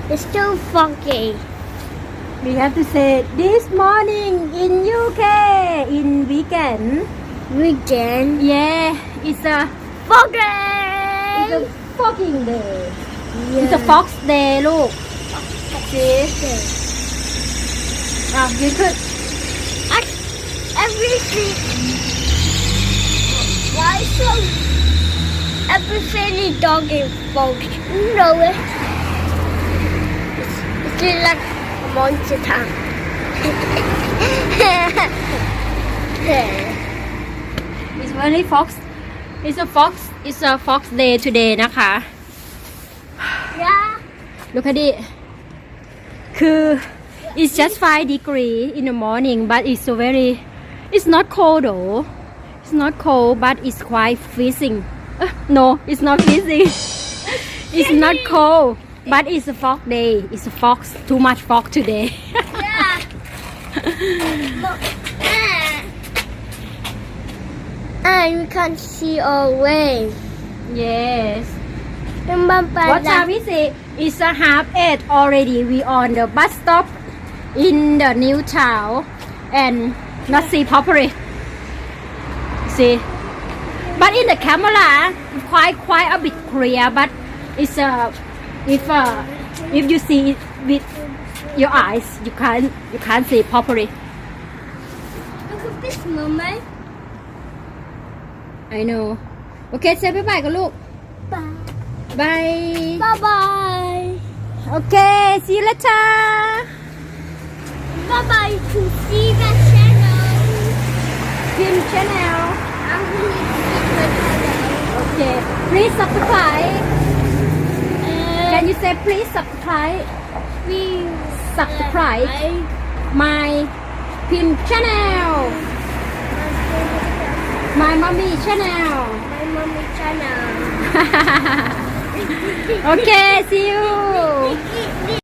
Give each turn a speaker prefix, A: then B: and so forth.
A: It's too funky.
B: We have to say this morning in UK in weekend.
A: Weekend.
B: Yeah, it's a
A: Funky.
B: fogging day.
A: Yeah.
B: It's a fox day ลูก see you could
A: Everything. Why so? Everything is dog is funky. You know it. It's like a monster town.
B: it's very fox it's a fox day today นะคะ
A: Yeah.
B: look at it คือ it's just 5 degree in the morning but it's so very it's not cold though it's not cold but it's quite freezing no it's not freezing it's not cold but it's a fog day it's a fox too much fog today
A: Yeah. Look. And we can see our way.
B: yes
A: Remember
B: what time is it it's a 7:30 already we on the bus stop in the new town and not see properly see but in the camera quite a bit clear but it's if you see it with your eyes you can't see properly
A: Look at this, Mama.
B: I know okay say bye bye กันลูก
A: Bye.
B: bye
A: Bye bye.
B: okay see you later
A: Bye bye to see the channel.
B: Pin channel
A: I'm going to see the channel.
B: okay please subscribe can you say please subscribe
A: Please
B: subscribe my Pin channel my mommy channel
A: my mommy channel.
B: okay see you